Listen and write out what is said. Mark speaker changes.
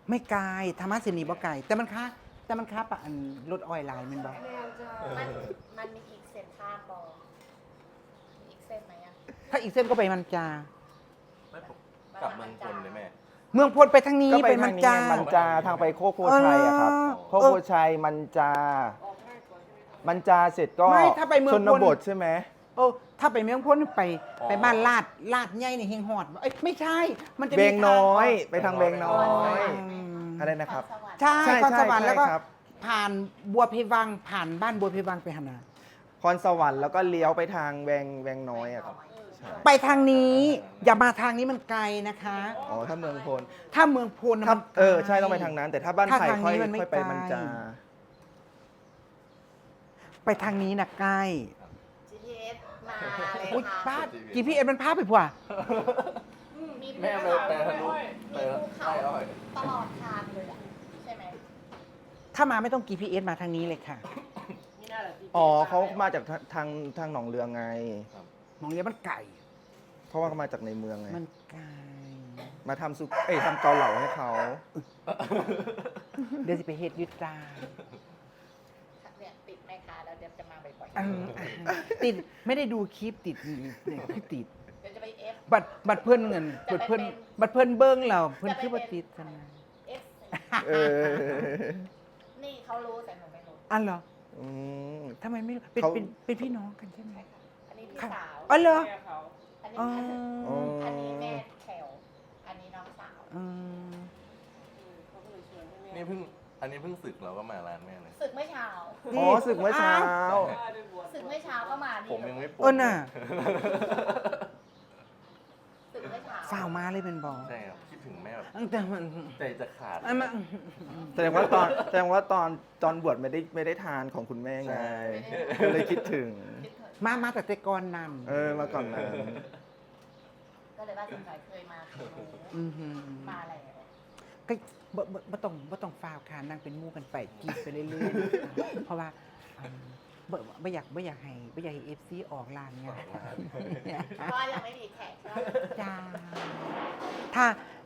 Speaker 1: ไม่ไกลธรรมะสินีบ่ไกลแต่มันค่าปะอันรถออยไลน์มันบ่
Speaker 2: มันมีอีกเส้นทางบอมีอีกเส้นไหมอะ
Speaker 1: ถ้าอีกเส้นก็ไปมันจา
Speaker 3: ไม่ผมกลับเมืองพลเลยแม่
Speaker 1: เมืองพลไปทางนี้
Speaker 4: ก็ไป
Speaker 1: ไป
Speaker 4: ทา
Speaker 1: มั
Speaker 4: ง
Speaker 1: น
Speaker 4: นี้
Speaker 1: จา
Speaker 4: มันจาทางไปโคกโพชัยอะครับ โคกโพชัยมันจา มันจาเสร็จก็
Speaker 1: ไม่ถ้าไปเมือง
Speaker 4: ช
Speaker 1: พ
Speaker 4: น
Speaker 1: ล
Speaker 4: บทใช่ไหม
Speaker 1: ถ้าไปเมืองพลไปบ้านลาดใหญ่ในเฮงฮอดเอ้ยไม่ใช่ มันจะมี
Speaker 4: เบงน้อย
Speaker 1: ทาง
Speaker 4: ไปทางเบงน้อย
Speaker 1: อืม
Speaker 4: อะไรนะครับ
Speaker 2: สวรรค์
Speaker 1: ใช่
Speaker 4: ใช่
Speaker 1: คอนสวรรค์
Speaker 4: ใช่
Speaker 1: แล้วก็
Speaker 4: ครับ
Speaker 1: ผ่านบัวเพวังผ่านบ้านบัวเพวังไปหานา
Speaker 4: พรสวรรค์แล้วก็เลี้ยวไปทางแวงน้อยอะครับ ใช่
Speaker 1: ไปทางนี้ อย่ามาทางนี้มันไกลนะคะ
Speaker 4: อ๋อ ถ้าเมืองพล
Speaker 1: ถ้าเมืองพลน่ะ
Speaker 4: ถ้า
Speaker 1: มันไกล
Speaker 4: ใช่ต้องไปทางนั้น แต่ถ้าบ้าน
Speaker 1: ถ้า
Speaker 4: ไผ่
Speaker 1: ทาง
Speaker 4: ค่อย
Speaker 1: นี้มันไม่
Speaker 4: ค่อยไป
Speaker 1: ไกล
Speaker 4: มันจา
Speaker 1: ไปทางนี้นะใกล้
Speaker 2: GPS มาเลย
Speaker 1: อุ๊ย
Speaker 2: ค่ะ
Speaker 1: ป้า GPS มันพาไปผัว
Speaker 2: มีภู
Speaker 3: แม่
Speaker 2: เขา
Speaker 3: ไปทะลุไป
Speaker 2: มีภูเขา
Speaker 3: ใต้อ้อย
Speaker 2: ตลอดทางเลยอะใช่ไหม
Speaker 1: ถ้ามาไม่ต้อง GPS มาทางนี้เลยค่ะ
Speaker 4: อ๋อเขามาจากทางหนองเรือไง
Speaker 1: มองเรียมันไก่
Speaker 4: เพราะว่าเขามาจากในเมืองไง
Speaker 1: มันไก่
Speaker 4: มาทำทำเกาเหลาให้เขา
Speaker 1: เดี๋ยวสิไปเฮ็ดอยุตา
Speaker 2: เนี่ยติดแม่ค้าแล้วเดี๋ยวจะมาบ่อย
Speaker 1: ติดไม่ได้ดูคลิปติดเนี่ยคือติด
Speaker 2: ๆเดี๋ยวจะไป F
Speaker 1: บัตรเพื่อนเงินบัตรเพื่อนบัตรเพื่อนเบิ้งเราเพื่อนคือบัติดกันนะ
Speaker 2: F
Speaker 4: เออ
Speaker 2: นี่เขารู้แต่หนูไม่รู้
Speaker 1: อันเหรอ
Speaker 4: อืม
Speaker 1: ทำไมไม่รู้เป็น
Speaker 4: เขา
Speaker 1: เป็นพี่น้องกันใช่ไหม
Speaker 2: อันนี้พี่
Speaker 1: ค่ะ
Speaker 2: สาว
Speaker 1: อ๋อเหรอ
Speaker 2: อันนี้
Speaker 1: อ๋อ
Speaker 2: อันนี้แม่แถวอันนี้น้องสาว
Speaker 1: อืม
Speaker 3: นี่อันนี้เพิ่งศึกเราก็มาร้านแม่เลย
Speaker 2: ศึกเมื่อเช้า
Speaker 4: อ๋อศึกเมื่อเช้า
Speaker 2: ศึกเมื่อเช้าก็มาดี
Speaker 3: ผมยังไม่ปวด
Speaker 1: น่ะ
Speaker 2: ศึกเมื่อเช้า
Speaker 1: ฝ่าวมาเลยเป็นบอ
Speaker 3: ใช่ครับคิดถึงแม่แบบ
Speaker 1: แต่มัน
Speaker 3: ใจจะขาด
Speaker 1: อันมัน
Speaker 4: แสดงว่าตอนบวชไม่ได้ทานของคุณแม่ไง ก็เลยคิดถึง
Speaker 2: คิดถึง
Speaker 1: มาแต่แต่ก่อนนั้น
Speaker 4: มาก่อนนั้น
Speaker 2: ก็เลยว่าสงสัยเคยมาถึงหนู
Speaker 1: อือหือ
Speaker 2: มาแล้ว
Speaker 1: ก็บ่ต้องฝ่าวค่ะนั่งเป็นหมู่กันไปกินไปเรื่อยๆเพราะว่าไม่อยากให้FC ออกร้านไง
Speaker 2: เพราะว่ายังไม่มีแขกใช่ไหม
Speaker 1: จ้าถ้า